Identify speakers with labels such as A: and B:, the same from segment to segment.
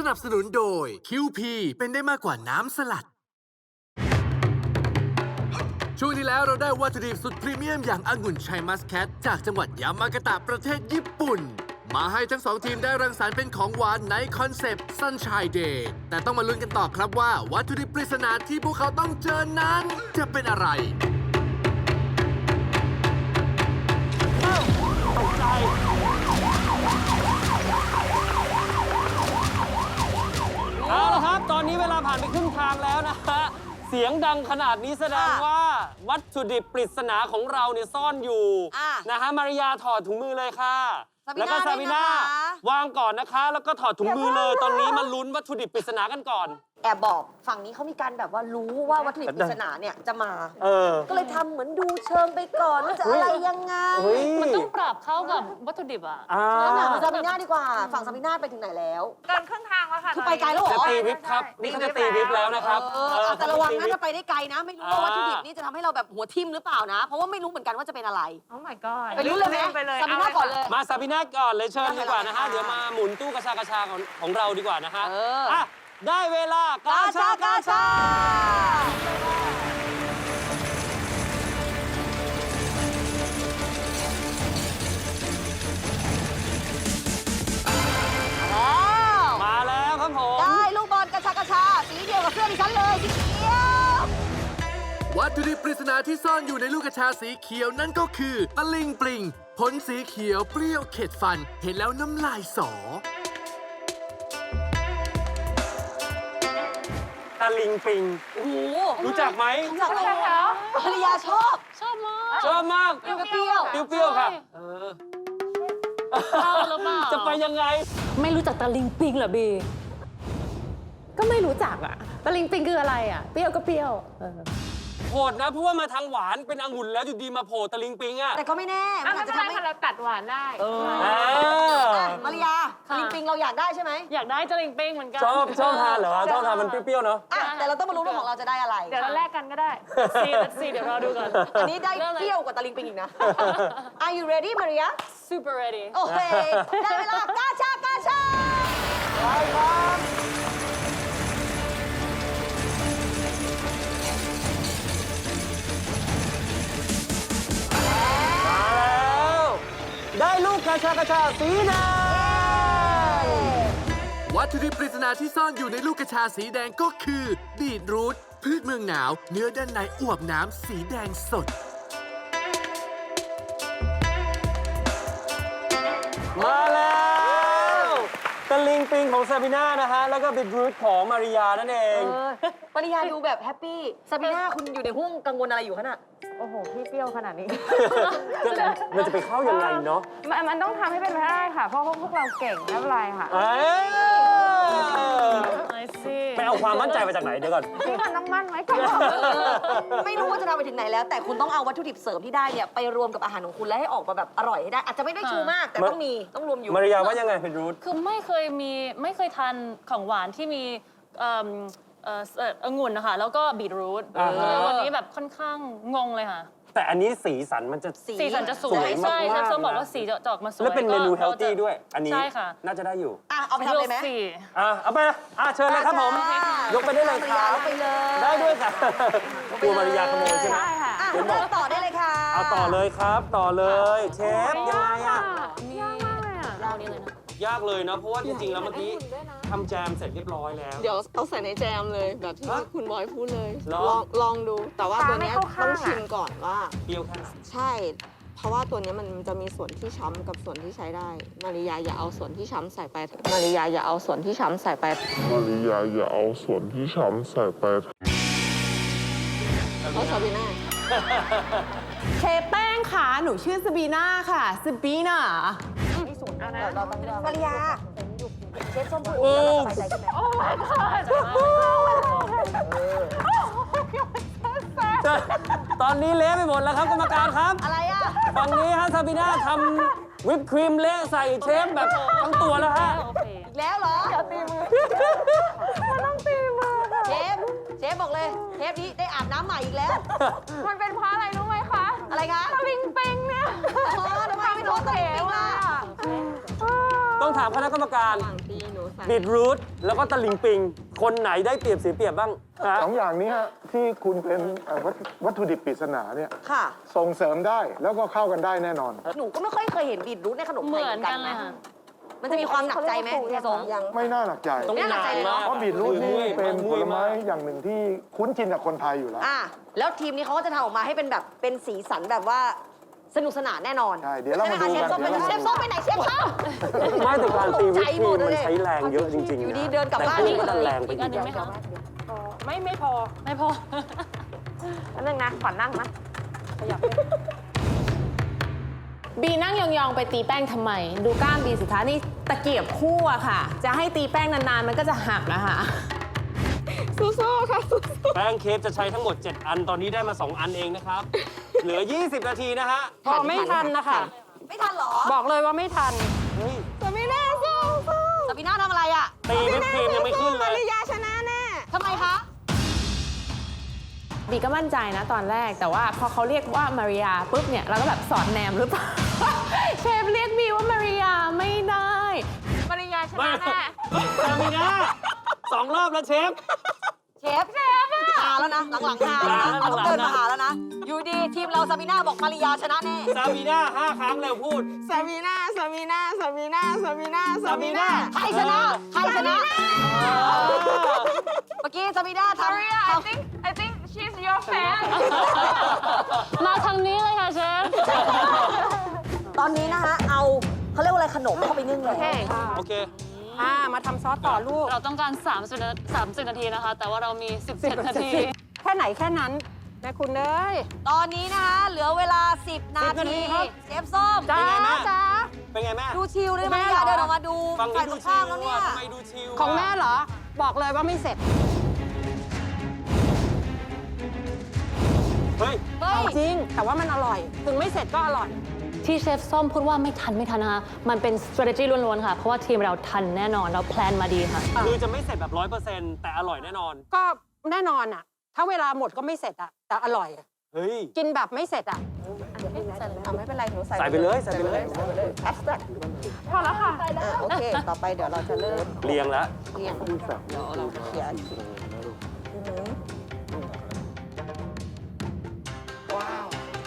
A: นับสนุนโดย QP เป็นได้มากกว่าน้ำสลัด ช่วงที่แล้วเราได้วัตถุดิบสุดพรีเมียมอย่างองุ่นชัยมัสแคทจากจังหวัดยามากาตะประเทศญี่ปุ่น มาให้ทั้งสองทีมได้รังสรรค์เป็นของหวานในคอนเซปต์ Sunshine Day แต่ต้องมาลุ้นกันต่อครับว่าวัตถุดิบปริศนาที่พวกเขาต้องเจอนั้นจะเป็นอะไร
B: ตกใจเอาละครับ ตอนนี้เวลาผ่านไปครึ่งทางแล้วนะฮะ เสียงดังขนาดนี้แสดงว่าวัตถุดิบปริศนาของเราเนี่ยซ่อนอยู่นะฮะมาริยาถอดถุงมือเลยค่ะ แล้วก็ซาบิน่าวางก่อนนะคะ แล้วก็ถอดถุงมือเลย ตอนนี้มาลุ้นวัตถุดิบปริศนากันก่อน
C: แอบบอกฝั่งนี้เขามีการแบบว่ารู้ว่าวัตถุดิบปริศนาเนี่ยจะมา ก็เลยทำเหมือนดูเชิงไปก่อนว่าจะอะไรยังไง
D: มันต้องปรับเข้ากับวัตถุดิบอ่ะ
C: งั้นถามซาบิน่าดีกว่า ฝั่งซาบิน่าไปถึงไหนแล้ว
E: เกินครึ่งทางแล้วค่ะ
C: คือไปไกลแล้วเหร
B: จะ
C: อ
B: ตีวิปครับ นี่เขาจะตีวิปแล้วนะครับ
C: แต่ระวังนะจะไปได้ไกลนะ ไม่รู้ว่าวัตถุดิบนี่จะทำให้เราแบบหัวทิ่มหรือเปล่านะ เพราะว่าไม่รู้เหมือนกันว่าจะเป็นอะไร
E: โอ้ my god
C: ไปรู้เลยไหม
E: ไปเลย
C: ซาบิน่าก่อนเลย
B: มาซาบิน่าก่อนเลยเชิญดีกว่านะฮะ เดี๋ยวมาหมุนตู้กระชากระชาของเราดีกว่านะฮะอ่ะได้เวลากาชากาชามาแล้วครับผม
C: ได้ลูกบอลกระชากระชาสีเดียวกับเสื้อดิฉันเลยสีเขียว
A: วัตถุดิบปริศนาที่ซ่อนอยู่ในลูกกระชาสีเขียวนั่นก็คือตะลิงปลิงผลสีเขียวเปรี้ยวเข็ดฟัน เห็นแล้วน้ำลายสอ
B: ตะลิงปิง
C: โอ้โห
B: รู้จักไหม
C: รู้จักเลยภรรยาชอบ
D: ชอบมาก
B: ชอบมาก
C: เปรี้ยว
B: เปรี้ยวๆค่ะ
D: ชอบหรือเปล่า
B: จะไปยังไง
F: ไม่รู้จักตะลิงปิงเหรอบี ก็ไม่รู้จักอะตะลิงปิงคืออะไรอะเปรี้ยวก็เปรี้ยว
B: โหดนะ เพราะว่ามาทางหวานเป็นองุ่นแล้วอยู่ดีมาโผล่ตะลิงปิงอ่ะ
C: แต่ก็ไม่แน่
E: อ่ะ
C: มัน
E: ไม่
C: อาจ
E: เป็นไร
C: จะทำให้
E: ค่ะเราตัดหวานได้
C: มาริยาลิงปิงเราอยากได้ใช่ไหม
D: อยากได้ตะลิงปิงเหมือนกัน
B: ชอบทานเหรอชอบทานมันเปรี้ยวๆเนาะ
C: แต่เราต้องมารู้ว่าของเราจะได้อะไร
E: เดี๋ยวเราแลกกันก็ได้
D: let's see เดี๋ยวรอดูก่อน
C: อันนี้ได้เปรี้ยวกว่าตะลิงปิงอีกนะ Are you ready Maria
D: super ready
C: โอเค ได้เวลากาชากาชา
B: ไปครับมาแล้วได้ลูกกระชากระชาสีแดง
A: วัตถุดิบปริศนาที่ซ่อนอยู่ในลูกกระชาสีแดงก็คือบีทรูทพืชเมืองหนาว เนื้อด้านในอวบน้ำสีแดงสด
B: มาแล้วตะลิงปิงของซาบิน่านะฮะ แล้วก็บิดรูทของมาริยานั่นเอง
C: มาริยาดูแบบแฮปปี้ซาบิน่าคุณอยู่ในห้วงกังวลอะไรอยู่ขนาด
E: โอ้โห พี่เปรี้ยวขนาดนี้
B: มันจะไปเข้ายังไงเนาะ
E: มันต้องทำให้เป็นไปได้ค่ะ เพราะพวกเราเก่งไม่เป็นไรค่ะ
D: I see
B: ไปเอาความมั่นใจมาจากไหนเดี๋ยวก่อน
E: พี่มันต้องมั่นไว้ก่อน
C: ไม่รู้ว่าจะทำไปถึงไหนแล้ว แต่คุณต้องเอาวัตถุดิบเสริมที่ได้เนี่ยไปรวมกับอาหารของคุณแล้วให้ออกมาแบบอร่อยให้ได้ อาจจะไม่ได้ชูมาก แต่ต้องรวมอยู่
B: มาริยาว่ายังไงเป็นรูท
D: คือไม่เคยทานของหวานที่มีองุ่นนะคะแล้วก็บีทรูทเลยวันนี้แบบค่อนข้างงงเลยค่ะ
B: แต่อันนี้สีสันมันจะ
D: สีสันจะสวย
B: สวยมากๆ
D: ใช่เชฟส้ม
B: นะ
D: บอกว่าสีจะออกมาสวย
B: แล้วเป็นเมนู
D: ก็
B: เฮลตี้ด้วย อันนี้
D: ใช่ค่ะ
B: น่าจะได้อยู่
C: เอาไปทำเลยไหม
D: สี
B: เอาไปเชิญเลยครับผม ยกไปได้เลยครับ
C: ไปเลย
B: ได้ด้วยค่ะกลัวมาริยาขโมยใช่ไหม
E: ได้ค่ะ
B: เดี๋ยวบอก
C: ต่อได้เลยค่ะ
B: เอาต่อเลยครับ ต่อเลย เชฟยังไงอะ
E: ยากมากเลยอ่ะ
D: เรานี่เลยนะ
B: ยากเลยนะ เพราะว่าจริงๆ แล้วเมื่อกี้ทำแจมเสร็จเรียบร้อยแล้ว
G: เดี๋ยวเอาใส่ในแจมเลยแบบที่
B: ฮะ
G: คุณบอยพูดเลย
B: เหรอ
G: ลองดู แต่ว่าตัวเนี้ย
E: ตาไม่เข้าข้าง
G: ต้อง
E: อะ
G: ชิมก่อนว่า
B: เปรี้ยวแค่ไหน
G: ใช่ เพราะว่าตัวเนี้ยมันจะมีส่วนที่ช้ำกับส่วนที่ใช้ได้ มาริยาอย่าเอาส่วนที่ช้ำใส่ไป มาริยาอย่าเอาส่วนที่ช้ำใส่ไป
H: มาริยาอย่าเอาส่วนที่ช้ำใส่ไป
G: เอาซาบิน่า
F: เชฟแป้งค่ะ หนูชื่อซาบีน่าค่ะซาบีน่า
C: มาริยาเชฟส้มพูดอย่างนี้แล้วเราสบายใจใช่ไหม
B: ตอนนี้เละไปหมดแล้วครับกรรมการครับ
C: อะไรอ่ะ
B: ฝั่งนี้ฮะซาบิน่าทำวิปครีมเละใส่เชฟแบบทั้งตัวแล้วฮะ
D: โอเค
C: อีกแล้วเหรออย่าตีมือมันต้องตีมือเชฟบอกเลยเทปนี้ได้อาบน้ำใหม่อีกแล้ว
E: มันเป็นเพราะอะไรรู้ไหมคะ
C: อะไรคะ
E: ตะลิงปิงเนี่ย
C: ทำไมไม่โทษตัวเองล่ะ
B: ต้องถามคณะกรรมการ
G: ระหว่างที่หนูใส่
B: บีทรูทแล้วก็ตะลิงปิง คนไหนได้เปรียบเสียเปรียบบ้างฮะ
I: 2 อย่างนี้ฮะที่คุณเป็นวัตถุดิบปริศนาเนี่ย
C: ค่ะ
I: ส่งเสริมได้แล้วก็เข้ากันได้แน่นอน
C: หนูก็ไม่ค่อยเคยเห็นบีทรูทในขนมไทย
D: เหมือนกันเลยค่ะ
C: มันจะมีความหนักใจไหมเฮียสง
I: ไม่น่าหนักใจ
B: ต้องนานมาก
I: เพราะบีทรูทนี่เป็นผลไม้
B: าก
I: อย่างหนึ่งที่คุ้นชินกับคนไทยอยู่แล้ว
C: แล้วทีมนี้เขาก็จะทำออกมาให้เป็นแบบเป็นสีสันแบบว่าสนุกสนานแน่นอน
I: ใช่เดี๋ยวเรามาดูกัน
C: เชฟส้มไปไหนเชฟส้มไปไหนเชฟส้ม
B: ไม่แต่การตีวิปครีม
C: ตกใจหมด
B: มัน
C: เลย
B: ใช้แรงเยอะจริงๆ
C: อยู่ดี
B: นะ
C: เดินกลับบ้าน
B: แต่คุณก็ดันแรงไป
D: อีก
B: อี
D: อัน
B: ก
D: หนึ่งไหมคะ
E: ไม่พอ
D: ไม่พอ
E: อันนึงนะขอนั่งนะขยับ
F: บีนั่งยองๆไปตีแป้งทำไม ดูกล้ามบีสิคะนี่ตะเกียบคู่อะค่ะ จะให้ตีแป้งนานๆ มันก็จะหักนะคะ
G: สู้ๆค่ะ
B: แป้งเค้กจะใช้ทั้งหมด 7 อัน ตอนนี้ได้มา 2 อันเองนะครับ เหลือ 20 นาทีนะฮะ
E: พอไม่ทันนะคะ
C: ไม่ทันเหรอ
E: บอกเลยว่าไม่ทัน
B: เฮ้ย
C: ซาบีน่าทำอะไรอ่ะ
B: ตีวิปครีมยังไม่ขึ้นเลย
G: ยาชนะแน่
C: ทำไมคะ
F: บีก็มั่นใจนะตอนแรกแต่ว่าพอเขาเรียกว่ามาริยาปุ๊บเนี่ยเราก็แบบสอดแนมหรือเปล่า เชฟเรียกบีว่ามาริยาไม่ได้
E: ปริยาช
B: ไม่
E: นะแน่
B: ซามิน่า2 รอบแล้วเชฟ
C: เชฟหาแล้วนะ หลังๆหาแล้วนะ
B: หลังๆ
C: ต้องเดินมาหาแล้วนะ อยู่ดีทีมเราซาบีน่าบอกมาริยาชนะแน่
B: ซามิน่า5 ครั้งเร็วพูด
G: ซาบีน่า ซาบีน่า ซาบีน่า ซาบีน่า ซาบีน่า
C: ใครชนะ ใครชนะ เมื่อกี้ซาบีน่าทำ
E: I think she's your fan
D: มาทางนี้เลยค่ะเชฟ
C: ตอนนี้นะคะเอาเขาเรียกว่าอะไรขนมเข้าไปนึ่งเลย
B: โอเค
E: มาทำซอสต่อลูก
D: เราต้องการ30 นาทีนะคะ แต่ว่าเรามี 17 นาที
E: แค่ไหนแค่นั้นแม่คุณเอ้ย
C: ตอนนี้นะคะเหลือเวลา 10 นา
B: 10 นาที
C: ที
B: ครับ
C: เชฟส้ม
B: เป็นไงแม่
E: จ้า
B: เป็นไงแม่
C: ดูชิลเลยมาริยาเดินออกมาดู
B: ฝั่ง
C: ฝ่า
B: นี้
C: ยต
B: ดู
C: รง
B: ชิ
C: ข้าม
B: ล
C: แล้วเนี่ย
B: อะทำไมดูชิล
E: ของแม่เหรอ บอกเลยว่าไม่เสร็จ
B: เฮ้ย
C: เฮ้ย
E: จริง แต่ว่ามันอร่อย ถึงไม่เสร็จก็อร่อย
D: ที่เชฟส้มพูดว่าไม่ทันนะคะ มันเป็น strategy ล้วนๆค่ะ เพราะว่าทีมเราทันแน่นอน เราแพลนมาดีค่ะ
B: คือจะไม่เสร็จแบบ 100%แต่อร่อยแน่นอน
E: ก็แน่นอนอ่ะ ถ้าเวลาหมดก็ไม่เสร็จอ่ะ แต่อร่อยอะ
B: เฮ้ย
E: กินแบบไม่เสร็จอ่ะ
G: ไม่เป็นไร หนูใส่
B: ใส่ไปเลยใส่ไปเลย
G: แอสแท็ก
E: พอแล้วค่ะ
G: โอเค ต่อไปเดี๋ยวเราจะเริ่ม
B: เรียงแล้ว
G: เรียงเดี๋ยวเราเขียนว้าว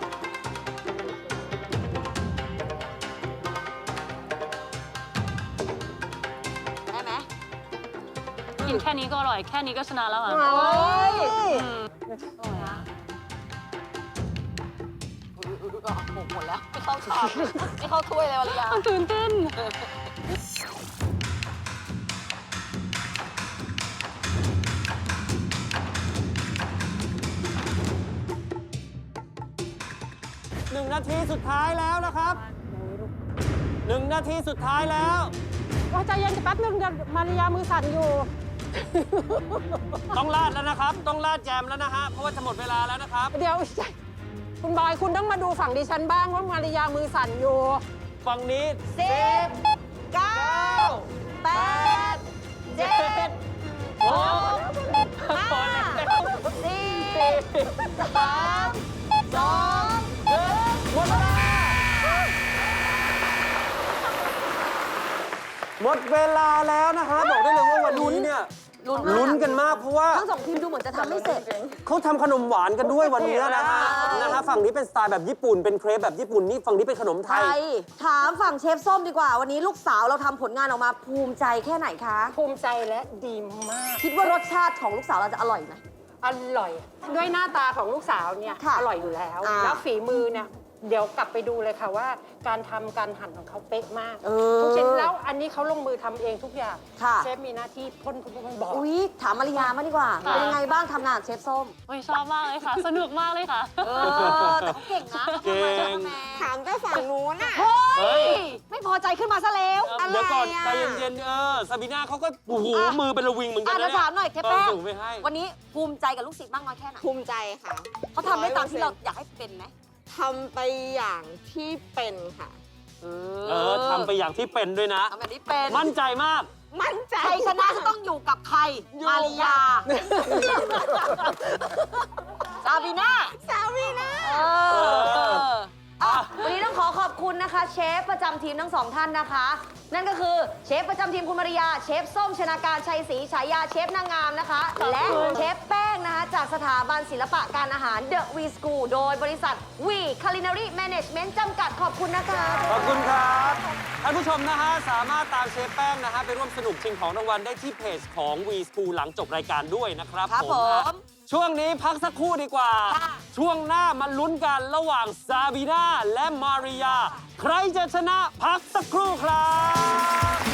C: ได้ไหม
D: กินแค่นี้ก็อร่อย แค่นี้ก็ชนะแล้วค่ะ
C: โอ้ยหมดแล้ว ไม่เข้าชามไม่เข้าถ้วยเลยมาริยา
D: ตื่นเต้น
B: 1 นาทีสุดท้ายแล้วนะครับ 1 นาทีสุดท้ายแล้ว
E: ว่าใจเย็นแป๊บนึงเดี๋ยวมาริยามือสั่นอยู่
B: ต้องราดแล้วนะครับ ต้องราดแจมแล้วนะฮะ เพราะว่าจะหมดเวลาแล้วนะครับ
E: เดี๋ยว คุณบอยคุณต้องมาดูฝั่งดิฉันบ้างว่ามาริยามือสั่นอยู่
B: ฝั่งนี้
C: 10 9 8 7
B: โอ้
C: 5 4 3 2
B: หมดเวลา หมดเวลาแล้วนะฮะ บอกได้เลยว่าวันนี้เนี่ยลุ้นกันมากเพราะว่า
C: ทั้งสองทีมดูเหมือนจะทำไม่เสร็จ
B: เขาทำขนมหวานกันด้วยวันนี้นะฮะ ฝั่งนี้เป็นสไตล์แบบญี่ปุ่น เป็นเครปแบบญี่ปุ่น นี่ฝั่งนี้เป็นขนมไท
C: ไท
B: ย
C: ย ถามฝั่งเชฟส้มดีกว่า วันนี้ลูกสาวเราทำผลงานออกมาภูมิใจแค่ไหนคะ
E: ภูมิใจและดีมาก
C: คิดว่ารสชาติของลูกสาวเราจะอร่อยไหม
E: อร่อย ด้วยหน้าตาของลูกสาวเนี่ย
C: ค่ะ
E: อร่อยอยู่แล้ว
C: อ่า
E: แล้วฝีมือเนี่ยเดี๋ยวกลับไปดูเลยค่ะว่า การทำการหั่นของเขาเป๊ะมาก
C: เออ
E: ทุกชิ้นแล้วอันนี้เขาลงมือทำเองทุกอย่าง
C: ค่ะ
E: เชฟมีหน้าที่พ่นบอก
C: อุ๊ย ถามมาริยามาดีกว่า
D: ค่ะ
C: เป็นยังไงบ้างทำงานกับเชฟส้ม
D: โอ้ยชอบมากเลยค่ะ สนุกมากเลยค่ะ
C: แต่เขาเก่งนะ
B: เก่ง
G: ถามแต่ฝั่งนู้นอ่ะ
C: เฮ้
B: เฮ้
C: ย
B: ย
C: ไม่พอใจขึ้นมาซะแล้ว
B: เดี๋ยวก่อน
G: อะไรอะ
B: ใจเย็นๆซาบีน่าเขาก็โอ้โหมือเป็นระวิงเหมือนกันนะ
C: เดี๋ยวถามหน่อยเทปแป้ง
B: ส่งไปให้
C: วันนี้ภูมิใจกับลูกศิษย์มากน้อยแค่ไหน
G: ภูมิใจค่ะ
C: เขาทำได้ตามที่เราอยากให้เป็นไหม
G: ทำไปอย่างที่เป็นค่ะ
B: ทำไปอย่างที่เป็นด้วยนะ
C: ทำแบบนี้เป็น
B: มั่นใจมาก
G: มั่นใจ
C: ใครชนะจะต้องอยู่กับใคร มาริยา ซาบีน่า
G: สาวีนะ
C: วันนี้ต้องขอขอบคุณนะคะเชฟประจำทีมทั้ง 2 ท่านนะคะ นั่นก็คือเชฟประจำทีมคุณมาริยาเชฟส้มชนาการชัยศรีฉายาเชฟนางงามนะคะ และเชฟแป้งนะคะจากสถาบันศิลปะการอาหาร The V School โดยบริษัท V Culinary Management จำกัดขอบคุณนะคะ
B: ขอบคุณครับท่านผู้ชมนะฮะสามารถตามเชฟแป้งนะฮะไปร่วมสนุกชิงของรางวัลได้ที่เพจของ V School หลังจบรายการด้วยนะครับ
C: ครับผม
B: ช่วงนี้พักสักครู่ดีกว่า ช่วงหน้ามาลุ้นกันระหว่างซาบีนาและมาริยา ใครจะชนะพักสักครู่ครับ